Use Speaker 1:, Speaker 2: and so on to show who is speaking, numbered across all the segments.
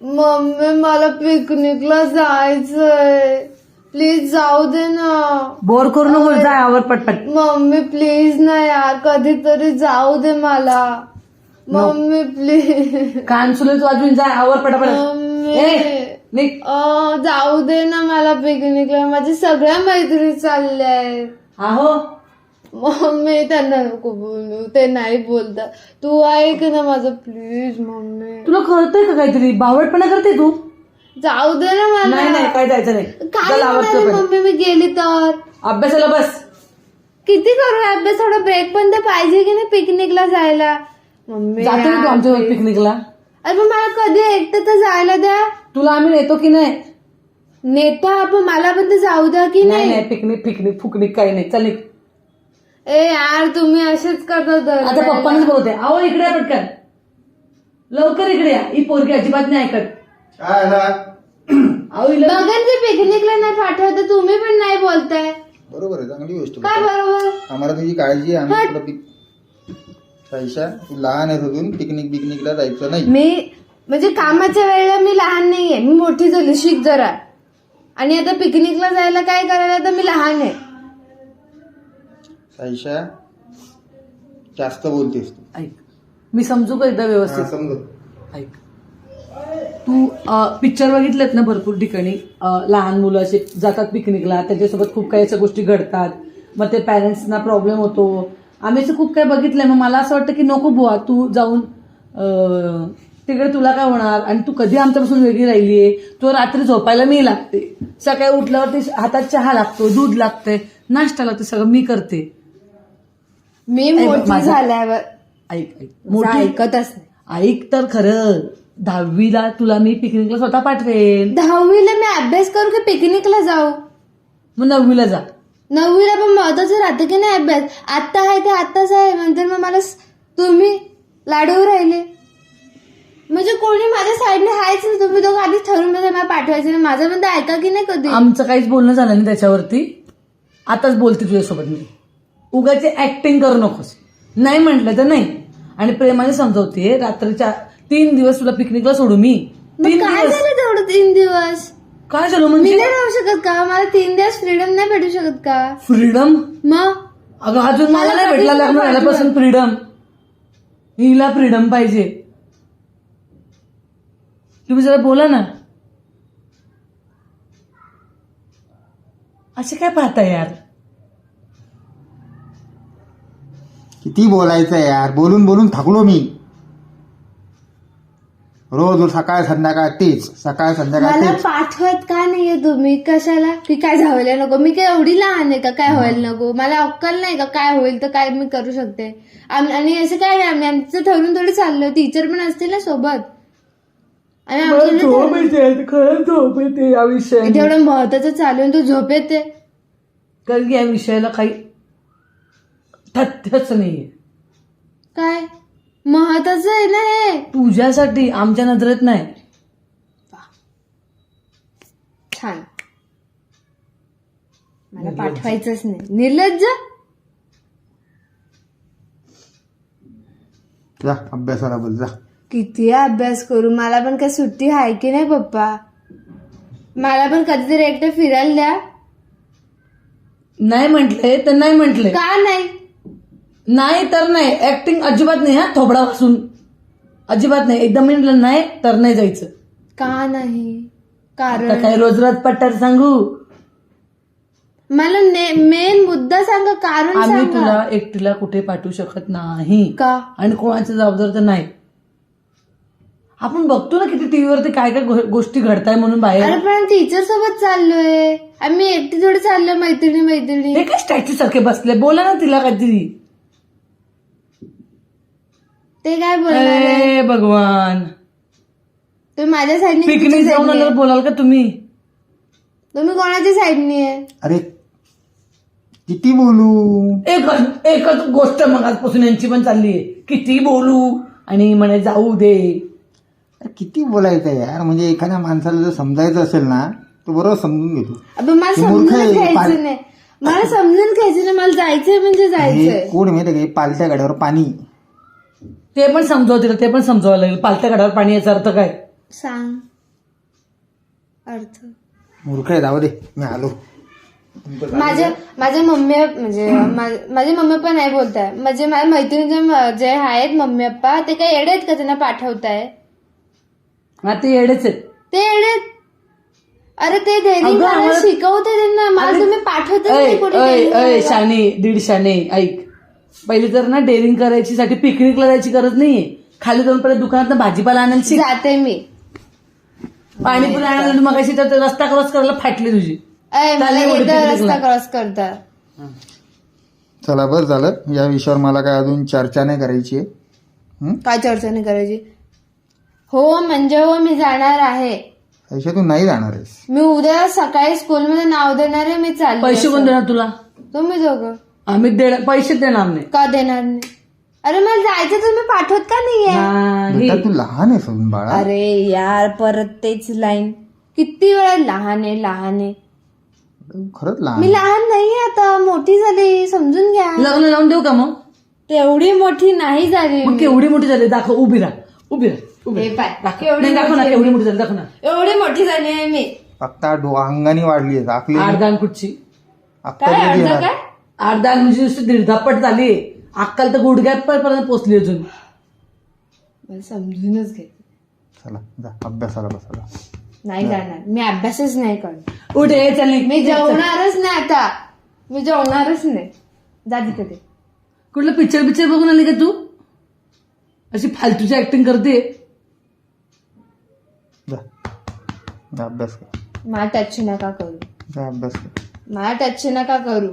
Speaker 1: Mummy मला पिकनिकला जायचंय, प्लीज जाऊ दे ना.
Speaker 2: बोर करू नको, जा आवर पटपट.
Speaker 1: मम्मी प्लीज ना यार, कधीतरी जाऊ दे मला. Mummy please.
Speaker 2: कान सुलेच वाजून जा, आवर पटापट.
Speaker 1: मम्मी जाऊ दे ना मला पिकनिकला, माझ्या सगळ्या मैत्रिणी चालल्या आहेत.
Speaker 2: आहो
Speaker 1: मम्मी त्यांना नको बोलू, ते नाही बोलतात. तू ऐक ना माझं प्लीज. मम्मी
Speaker 2: तुला कळतंय का काहीतरी? बावळटपणा करते तू.
Speaker 1: जाऊ दे ना मला.
Speaker 2: नाही नाही, काय जायचं नाही.
Speaker 1: काय होणार मम्मी मी गेली तर?
Speaker 2: अभ्यासाला बस.
Speaker 1: किती करू अभ्यास? थोडा ब्रेक पण तर पाहिजे की नाही पिकनिकला जायला. मम्मी
Speaker 2: जातो तू आमच्या पिकनिकला.
Speaker 1: अरे पण मला कधी एकटं तर जायला द्या.
Speaker 2: तुला आम्ही नेतो की नाही?
Speaker 1: नेता पण मला पण तर जाऊ द्या की
Speaker 2: नाही
Speaker 1: नाही.
Speaker 2: नाही, पिकनिक पिकनिक फुकनिक काही नाही. चल निघ.
Speaker 1: ए यार तुम्ही असेच करता.
Speaker 2: आता पप्पांच बोलते. अहो इकडे या पटकन, लवकर इकडे या. ही पोरगी अजिबात नाही ऐकत. अहो हिला
Speaker 1: बघन ते पिकनिकला नाही पाठवत, तुम्ही पण नाही बोलताय.
Speaker 3: बरोबर आहे, चांगली गोष्ट.
Speaker 1: काय बरोबर?
Speaker 3: आम्हाला तुझी काळजी आहे. आम्ही तुला साईशा, तू लहान आहे अजून, पिकनिकला जायचं नाही.
Speaker 1: मी म्हणजे कामाच्या वेळेला मी लहान नाहीये, मी मोठी झाली, शिक जरा. आणि आता पिकनिकला जायला काय करायला तर मी लहान आहे.
Speaker 3: साईशा जास्त बोलतेस तू.
Speaker 2: ऐक, मी समजू का एकदा व्यवस्थित?
Speaker 3: समजत.
Speaker 2: ऐक, तू पिक्चर बघितलेत ना भरपूर ठिकाणी, लहान मुलं असे जातात पिकनिकला, त्याच्यासोबत खूप काही अशा गोष्टी घडतात, मग ते पॅरेंट्सना प्रॉब्लेम होतो. आम्ही असं खूप काही बघितलंय. मग मला असं वाटतं की नको बुवा, तू जाऊन तिकडे तुला काय होणार, आणि तू कधी आमच्यापासून वेगळी राहिलीये. तो रात्री झोपायला मी लागते, सकाळी उठल्यावरती हातात चहा लागतो, दूध लागते, नाश्ता लागते, सगळं मी करते.
Speaker 1: मी मोठी झाल्यावर
Speaker 2: ऐक ऐक, मोठी
Speaker 1: ऐकतच नाही.
Speaker 2: ऐक तर खरं, 10वीला तुला मी पिकनिकला स्वतः पाठवेन.
Speaker 1: 10वीला मी अभ्यास करू की पिकनिकला जाऊ?
Speaker 2: मग 9वीला जा.
Speaker 1: 9वीला पण महत्वाचं राहतं की नाही अभ्यास? आत्ता आहे ते आत्ताच आहे, नंतर मग मला तुम्ही लाडू राहिले म्हणजे कोणी माझ्या साईडने आहेच ना. तुम्ही दोघं आधीच ठरवून मला पाठवायचं नाही. माझं पण ते ऐका की नाही कधी?
Speaker 2: आमचं काहीच बोलणं झालं नाही त्याच्यावरती. आताच बोलते तुझ्यासोबत मी. उगाची ऍक्टिंग करू नकोस. नाही म्हटलं तर नाही, आणि प्रेमाने समजवते. रात्रीच्या 3 दिवस तुला पिकनिकला सोडू मी. 3
Speaker 1: काय
Speaker 2: दिवस
Speaker 1: झालं तेवढं 3 दिवस?
Speaker 2: काय झालं
Speaker 1: मी
Speaker 2: म्हणजे?
Speaker 1: नाही राहू शकत का? मला 3 दिवस फ्रीडम नाही भेटू शकत का?
Speaker 2: फ्रीडम?
Speaker 1: मग
Speaker 2: अगं अजून मला
Speaker 1: मला
Speaker 2: नाही
Speaker 1: कधीच
Speaker 2: भेटला
Speaker 1: नाही
Speaker 2: लग्न झाल्यापासून फ्रीडम. हिला फ्रीडम पाहिजे. तुम्ही जरा बोला ना. असे काय पाहताय यार?
Speaker 3: किती बोलायचं यार, बोलून बोलून थकलो मी. रोज सकाळ संध्याकाळ तेच, सकाळ संध्याकाळ
Speaker 1: मला
Speaker 3: तेच.
Speaker 1: पाठवत का नाहीये तुम्ही? कशाला? की काय झालं नको? मी काय एवढी लहान आहे का काय व्हायला नको? मला अक्कल नाही का काय होईल तर काय मी करू शकते? आणि असं काय नाही, आम्ही आमचं ठरवून थोडी चाललोय. टीचर पण असतील ना सोबत. आणि आमचं
Speaker 2: झोप येते, खरंच झोप येते या विषयाने.
Speaker 1: तेवढं महत्वाचं चालू आहे, तू झोप येते.
Speaker 2: कारण की या विषयाला काही तथ्यच नाहीये.
Speaker 1: काय महत्वाचं आहे ना हे?
Speaker 2: तुझ्यासाठी, आमच्या नजरेत नाही.
Speaker 1: छान. मला पाठवायचंच नाही. निर्लज्ज.
Speaker 3: जा अभ्यासाला बोल जा.
Speaker 1: किती अभ्यास करू? मला पण काय सुट्टी आहे की नाही पप्पा? मला पण कधीतरी एकटं फिरायला द्या.
Speaker 2: नाही म्हटले तर नाही म्हटले.
Speaker 1: का नाही?
Speaker 2: नाही तर नाही. ऍक्टिंग अजिबात नाही. हा थोबडा वासून अजिबात नाही. एकदम म्हटलं नाही तर नाही जायचं.
Speaker 1: का नाही?
Speaker 2: आता
Speaker 1: कारण
Speaker 2: काय रोज रोज पट्टर सांगू?
Speaker 1: मला मेन मुद्दा सांगा, कारण
Speaker 2: आम्ही
Speaker 1: सांगा.
Speaker 2: तुला एकटीला कुठे पाठवू शकत नाही.
Speaker 1: का?
Speaker 2: आणि कोणाची जबाबदार तर नाही. आपण बघतो ना किती टीव्हीवरती काय काय गोष्टी घडताय म्हणून बाहेर.
Speaker 1: अरे पण टीचर सोबत चाललोय आम्ही, एकटी थोडी चाललोय मैत्रिणी.
Speaker 2: हे काय स्टॅच्यू सारखे बसले? बोला ना तिला काहीतरी.
Speaker 1: ते काय बोलणार?
Speaker 2: भगवान,
Speaker 1: तुम्ही माझ्या साईडने
Speaker 2: पिकनिक जाऊन आल्यावर बोलाल का तुम्ही?
Speaker 1: तुम्ही कोणाच्या साईडने आहे?
Speaker 3: अरे किती बोलू?
Speaker 2: एकच गोष्ट मग आजपासून यांची पण चालली आहे. किती बोलू आणि म्हणे जाऊ दे.
Speaker 3: अरे किती बोलायचं यार. म्हणजे एखाद्या माणसाला जर समजायचं असेल ना, तो बरोबर समजून घेतो.
Speaker 1: अबे मला
Speaker 3: ते मूर्ख
Speaker 1: समजून
Speaker 3: आहे.
Speaker 1: घ्यायचं नाही. मला समजून घ्यायचं नाही. मला जायचंय म्हणजे
Speaker 3: हे
Speaker 1: जायचंय.
Speaker 3: कोण माहिती का, पालत्या गाड्यावर पाणी.
Speaker 2: ते पण समजावतील, ते पण समजावं लागेल. पालत्या गडावर पाणी याचा अर्थ काय?
Speaker 1: सांग. अर्थ
Speaker 3: मूर्ख आहे, जाऊ दे, मी आलो.
Speaker 1: माझ्या मम्मी म्हणजे माझी मम्मी पण नाही बोलताय. म्हणजे माझ्या मैत्रिणीचे जे आहेत मम्मी पप्पा ते काही येडे आहेत का त्यांना पाठवताय?
Speaker 2: हा ते येडेच आहेत.
Speaker 1: ते येडे आहेत. अरे ते धैर्य
Speaker 2: अगं,
Speaker 1: मला
Speaker 2: आम्हाला-
Speaker 1: शिकवते त्यांना. मला तुम्ही पाठवतच नाही कुठे daring
Speaker 2: शाने दीड शाने ऐक, पहिली तर ना डेअरिंग करायची साठी पिकनिकला जायची गरज नाहीये. खाली जाऊन परत दुकानात भाजीपाला आणायला शिक.
Speaker 1: जाते मी.
Speaker 2: पाणीपुरी आणायला मग अशी तर रस्ता क्रॉस करायला फाटली तुझी.
Speaker 1: मला
Speaker 2: चालेल,
Speaker 1: येतं
Speaker 2: picnic
Speaker 1: रस्ता
Speaker 2: ला.
Speaker 1: क्रॉस करता.
Speaker 3: चला बस झालं, या विषयावर मला काय अजून चर्चा नाही करायची आहे.
Speaker 1: काय चर्चा नाही करायची? हो म्हणजे हो, मी जाणार आहे.
Speaker 3: ऐशा तू नाही जाणार आहेस.
Speaker 1: मी उद्या सकाळी स्कूलमध्ये नाव देणार आहे. मी चालले.
Speaker 2: पैसे कोण देणार तुला?
Speaker 1: तुम्ही दोघं.
Speaker 2: आम्ही पैसेच देणार नाही.
Speaker 1: का देणार नाही? अरे मला जायचं, तुम्ही पाठवत का नाहीये?
Speaker 2: नाही.
Speaker 3: बेटा तू लहान आहेस अजून बाळा.
Speaker 1: अरे यार परत तेच लाईन. किती वेळा लहान आहे लहान आहे.
Speaker 3: खरंच लहान
Speaker 1: मी लहान नाहीये आता, मोठी झाली, समजून घ्या.
Speaker 2: लग्न लावून देऊ का मग?
Speaker 1: तेवढी मोठी नाही झाली
Speaker 2: मग
Speaker 1: मी.
Speaker 2: केवढी मोठी झाली दाखव. उभी राहा, उभी राहा, उभी
Speaker 1: हे
Speaker 2: राहा.
Speaker 1: पाय,
Speaker 2: दाखव.
Speaker 1: केवढी
Speaker 2: नाही, दाखव ना
Speaker 1: मोठी
Speaker 2: केवढी मोठी झाली, दाखव ना.
Speaker 1: एवढी मोठी झाली आहे मी.
Speaker 3: फक्त अंगाने वाढली आहे, आखली
Speaker 2: आडदान कुठची?
Speaker 3: अक्कल
Speaker 1: काय
Speaker 3: कधी
Speaker 1: अर्धा
Speaker 3: येणार?
Speaker 1: काय?
Speaker 2: आडदान म्हणजे नुसती दीडधापट झाली. अक्कल तर गुडघ्यात पर्यंत पोचली अजून.
Speaker 1: मला समजूनच घे.
Speaker 3: चला जा अभ्यासाला बसायला.
Speaker 1: नाही जाणार मी, अभ्यासच नाही करणार.
Speaker 2: उठ ये चल निघ.
Speaker 1: मी जेवणारच नाही आता. मी जेवणारच नाही. जा तिकडे.
Speaker 2: कुठलं पिक्चर बघून आली का तू? अशी फालतूची ऍक्टिंग करते.
Speaker 3: जा जा अभ्यास कर.
Speaker 1: मला टच नका करू.
Speaker 3: जा अभ्यास कर.
Speaker 1: मला टच नका करू.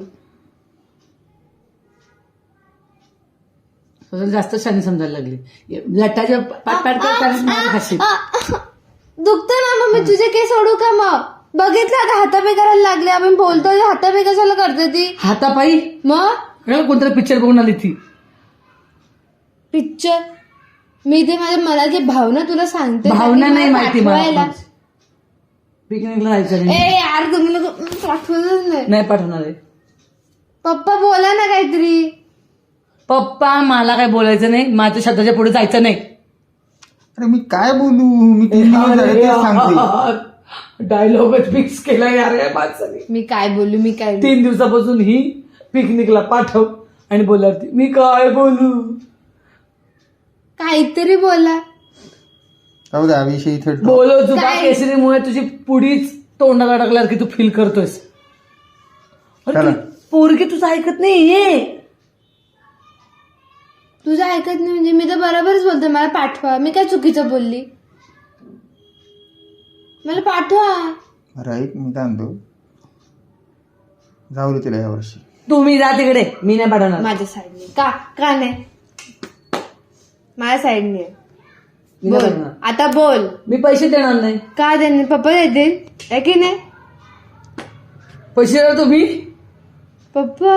Speaker 2: स्वतःला जास्त शानी समजायला लागली. लटाच्या पाट करताना खाशी.
Speaker 1: दुखतं ना मग मी तुझे केस सोडू का मग? बघितलं आता हातापे करायला लागले. आपण बोलतोय हातापे कशाला करते ती?
Speaker 2: हातापायी
Speaker 1: मग
Speaker 2: कोणतरी पिक्चर बघून आली ती.
Speaker 1: पिक्चर मी ते माझ्या मनाची भावना तुला सांगते.
Speaker 2: भावना नाही माहिती
Speaker 1: पाठवायला.
Speaker 2: मला. पिकनिकला जायचं नाही.
Speaker 1: ए यार तुम्ही लोक पाठवतच नाही.
Speaker 2: नाही पाठवणार आहे.
Speaker 1: पप्पा बोला ना काहीतरी.
Speaker 2: पप्पा मला काय बोलायचं नाही. माझ्या शब्दाच्या पुढे जायचं नाही.
Speaker 3: अरे मी काय बोलू, मी 3 दिवस झाले तेच सांगते.
Speaker 2: डायलॉगच फिक्स केला यार या माणसाने.
Speaker 1: मी काय बोलू, मी काय
Speaker 2: 3 दिवसापासून ही पिकनिकला पाठव आणि बोलवते. मी काय बोलू?
Speaker 1: काहीतरी बोला.
Speaker 3: जाऊ दे, हा विषय इथे drop.
Speaker 2: बोलव तुझा
Speaker 1: काय?
Speaker 2: केसरीमुळे तुझी पुढीच तोंडाला टाकल्यावर की तू फील करतोयस. अरे
Speaker 3: चला.
Speaker 2: ती पोरगी तुझं ऐकत नाही.
Speaker 1: तुझं ऐकत नाही म्हणजे मी तर बरोबरच बोलते. मला पाठवा. मी काय चुकीचं बोलली? मला पाठवा.
Speaker 3: बरं ऐक, मी काय म्हणतो, जाऊ दे तिला यावर्षी.
Speaker 2: तुम्ही जा तिकडे, मी नाही पाठवणार.
Speaker 1: माझ्या साईडने. का नाही? माझ्या साईडने.
Speaker 2: मी नाही
Speaker 1: बोल
Speaker 2: पाठवणार.
Speaker 1: आता बोल.
Speaker 2: मी पैसे देणार नाही.
Speaker 1: का देणार? पप्पा देतील आहे की नाही?
Speaker 2: पैसे देणार तुम्ही?
Speaker 1: पप्पा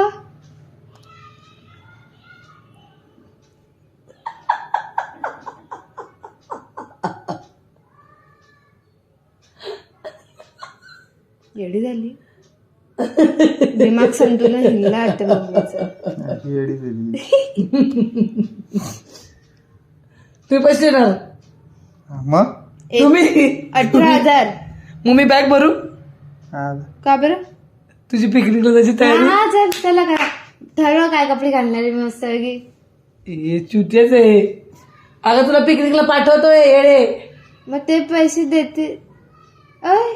Speaker 1: येडी झाली. दिमाग संतुलन हिंगला वाटतं मम्मीचं.
Speaker 3: अशी येडी झाली.
Speaker 2: तुम्ही पैसे देणार?
Speaker 3: मग
Speaker 2: तुम्ही
Speaker 1: 18,000.
Speaker 2: मग मी बॅग भरू?
Speaker 3: हा,
Speaker 1: का बरं?
Speaker 2: तुझी पिकनिकला जायची तयारी?
Speaker 1: हा चल त्याला काय ठरव काय कपडे घालणार आहे मी मस्त की.
Speaker 2: हे चुतीच आहे. अगं तुला पिकनिकला पाठवतोय येडे.
Speaker 1: मग ते पैसे देते. ओय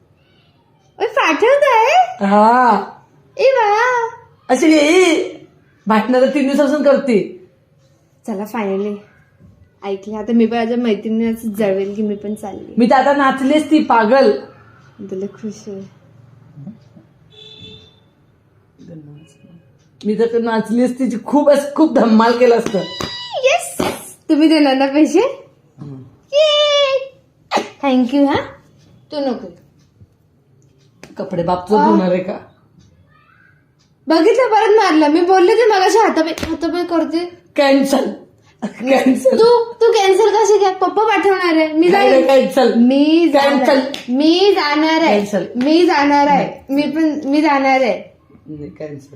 Speaker 1: पाठवत आहे.
Speaker 2: हा
Speaker 1: ए बाळा.
Speaker 2: अशी भाटणार 3 दिवसापासून करते.
Speaker 1: चला फायनली ऐकले. आता मी पण माझ्या मैत्रिणीच जळवेल की मी पण चालली.
Speaker 2: मी तर आता नाचलीस ती पागल.
Speaker 1: तुला खुश आहे.
Speaker 2: मी तर नाचलीस तिची खूप धम्माल केलं असतं.
Speaker 1: येस तुम्ही देणार ना पैसे? थँक्यू. हा तू नको.
Speaker 2: कपडे बापचं धुणार आहे का?
Speaker 1: बघितलं परत मारलं. मी बोलले ते मगाशी हातापाय करते.
Speaker 2: कॅन्सल.
Speaker 1: तू कॅन्सल कशी काय? पप्पा पाठवणार आहे. मी जाईल.
Speaker 2: कॅन्सल.
Speaker 1: मी जाणार आहे.
Speaker 2: Cancel.
Speaker 1: मी जाणार आहे. मी जाणार आहे.
Speaker 2: कॅन्सल.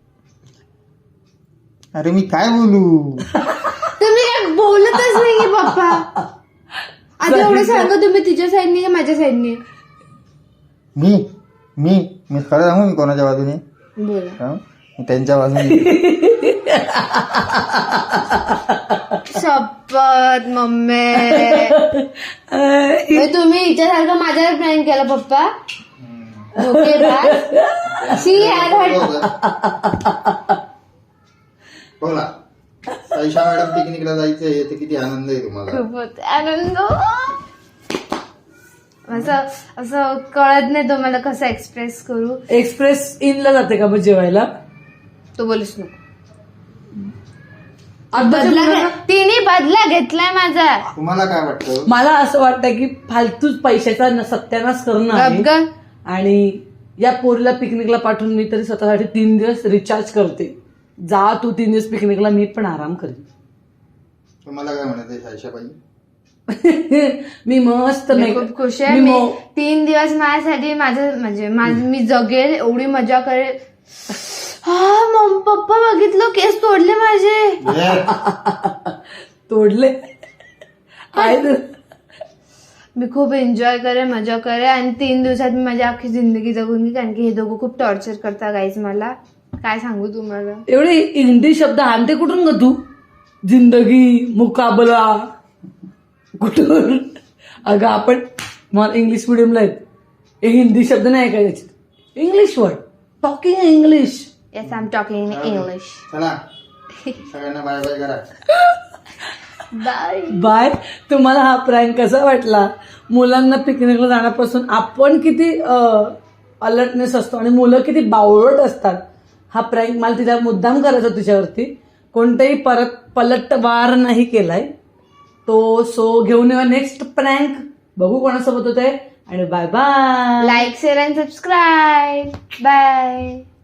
Speaker 3: अरे मी काय बोलू?
Speaker 1: तुम्ही काय बोलतच नाहीये पप्पा. आता एवढं सांगा तुम्ही तिच्या साईडने का माझ्या साईडने?
Speaker 3: मी मी मी खरं सांगू मी कोणाच्या बाजूने
Speaker 1: बोला.
Speaker 3: हा? मी त्यांच्या बाजूने
Speaker 1: शपथ मम्मी म्हणजे तुम्ही हिच्यासारखं माझ्यावर प्लॅन केला पप्पा. धोकेबाज. शी यार
Speaker 3: बोला साईशा मॅडम पिकनिकला जायचंय ते किती आनंद आहे तुम्हाला.
Speaker 1: खूपच आनंद. असं असं कळत नाही तुम्हाला कसं एक्सप्रेस करू.
Speaker 2: एक्सप्रेस इनला जाते का मग जेवायला?
Speaker 1: तो बोलूच नको.
Speaker 2: आताच्या
Speaker 1: तिने बदला घेतलाय माझा.
Speaker 3: तुम्हाला काय वाटतं?
Speaker 2: मला असं वाटतं की फालतूच पैशाचा सत्यानाश करणं आहे.
Speaker 1: गपगन.
Speaker 2: आणि या पोरीला पिकनिकला पाठवून मी तरी स्वतःसाठी 3 दिवस रिचार्ज करते. जा तू 3 दिवस पिकनिकला, मी पण आराम करेन.
Speaker 3: तुम्हाला काय म्हणत आहे साईशाबाई?
Speaker 2: मी मस्त
Speaker 1: मी खूप खुश आहे. मी 3 दिवस माझ्यासाठी माझं म्हणजे मी जगेल एवढी मजा करेल. हा पप्पा बघितलं केस तोडले माझे.
Speaker 2: तोडले आहे ना.
Speaker 1: मी खूप एन्जॉय करे मजा करे आणि 3 दिवसात मी माझी अख्खी जिंदगी जगून घे. कारण की हे दोघं खूप टॉर्चर करता गाईज. मला काय सांगू तुम्हाला.
Speaker 2: एवढे हिंदी शब्द आणते कुठून ग तू? जिंदगी, मुकाबला कुठून? अगं आपण मला इंग्लिश मिडियमला आहेत. हे हिंदी शब्द नाही काय त्याच्यात. English word, talking English.
Speaker 1: Yes I am talking in English.
Speaker 3: चला सगळ्यांना बाय बाय करा.
Speaker 1: Bye
Speaker 2: bye. तुम्हाला हा प्रँक कसा वाटला? मुलांना पिकनिकला जाण्यापासून आपण किती अलर्टनेस असतो आणि मुलं किती बावळट असतात. हा प्रँक मला तिला मुद्दाम करायचा तुझ्यावरती. कोणताही पलटवार नाही केलाय तो. सो घेऊन येऊया नेक्स्ट प्रँक. बघू कोणासोबत होत आहे. आणि bye bye.
Speaker 1: Like share and subscribe. Bye.